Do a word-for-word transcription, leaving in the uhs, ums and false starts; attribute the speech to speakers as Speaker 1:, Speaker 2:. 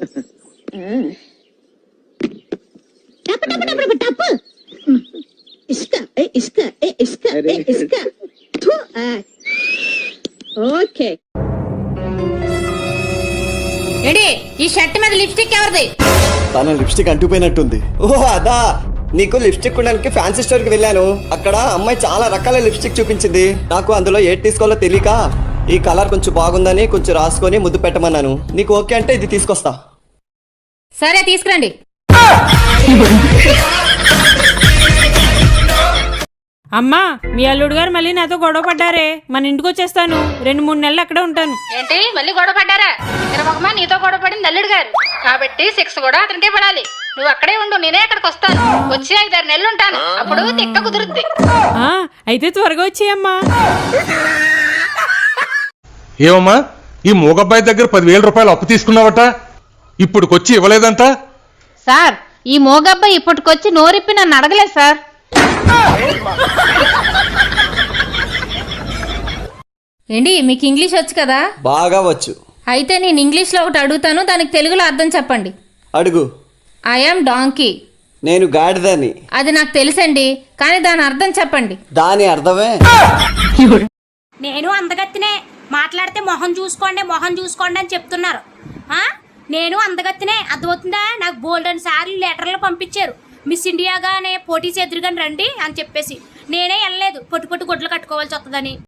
Speaker 1: టప్ టప్ టప్ టప్ ఇసుక ఏ ఇసుక ఏ ఇసుక ఏ ఇసుక ఓకే.
Speaker 2: ఏంటి ఈ షర్ట్ మీద లిప్స్టిక్ ఎవరిది?
Speaker 3: తన లిప్స్టిక్ అంటుపోయినట్టుంది. ఓ అదా, నీకు లిప్స్టిక్ కొనడానికి ఫ్యాన్సీ స్టోర్ కి వెళ్ళాను. అక్కడ అమ్మాయి చాలా రకాల లిప్స్టిక్ చూపించింది. నాకు అందులో ఏది తీసుకోవాలో తెలియక ఈ కలర్ కొంచెం బాగుందని కొంచెం రాసుకొని ముద్దు పెట్టమన్నాను. నీకు ఓకే అంటే ఇది తీసుకొస్తా.
Speaker 2: సరే తీసుకురండి.
Speaker 4: అమ్మా, మీ అల్లుడు గారు మళ్ళీ నాతో గొడవ పడ్డారే. మన ఇంటికి వచ్చేస్తాను, రెండు మూడు నెలలు అక్కడే ఉంటాను.
Speaker 2: ఏంటి మళ్ళీ గొడవ పడ్డారా? తిరమగమా నీతో గొడవ పడింది అల్లుడు గారు కాబట్టి శిక్ష కూడా అతనికే పడాలి. నువ్వు అక్కడే ఉండు, నేనే అక్కడికి వస్తాను. వచ్చి ఐదారు నెలలు ఉంటాను, అప్పుడు తిక్క కుదురుద్ది.
Speaker 4: ఆ అయితే త్వరగా వచ్చేయమ్మా.
Speaker 5: ఏమమ్మా, ఈ మూగబ్బాయి దగ్గర పదివేల రూపాయలు అప్పు తీసుకున్నావట, ఇప్పుడుకొచ్చి ఇవ్వలేదంట.
Speaker 2: సార్, ఈ మోగబ్బాయి ఇప్పటికొచ్చి నోరిప్పి నన్ను అడగలేదు సార్. ఏంటి మీకు ఇంగ్లీష్ వచ్చు కదా?
Speaker 3: బాగా వచ్చు.
Speaker 2: అయితే నేను ఇంగ్లీష్ లో ఒకటి అడుగుతాను, దానికి తెలుగులో అర్థం చెప్పండి.
Speaker 3: అడుగు.
Speaker 2: I am donkey.
Speaker 3: నేను గాడిదని.
Speaker 2: అది నాకు తెలుసండి, కానీ దాని అర్థం చెప్పండి.
Speaker 3: దాని అర్థమే
Speaker 6: నేను అందగత్తినే, మాట్లాడితే మొహం చూసుకోండి మొహం చూసుకోండి అని చెప్తున్నారు. నేను అందగత్తినే, అర్థమవుతుందా? నాకు బోల్డ్ అని సార్లు లెటర్లు పంపించారు, మిస్ ఇండియాగానే పోటీ చేదురుగాని రండి అని చెప్పేసి. నేనే వెళ్ళలేదు, పొట్టు పొట్టు గుడ్లు కట్టుకోవాల్సి వస్తుందని.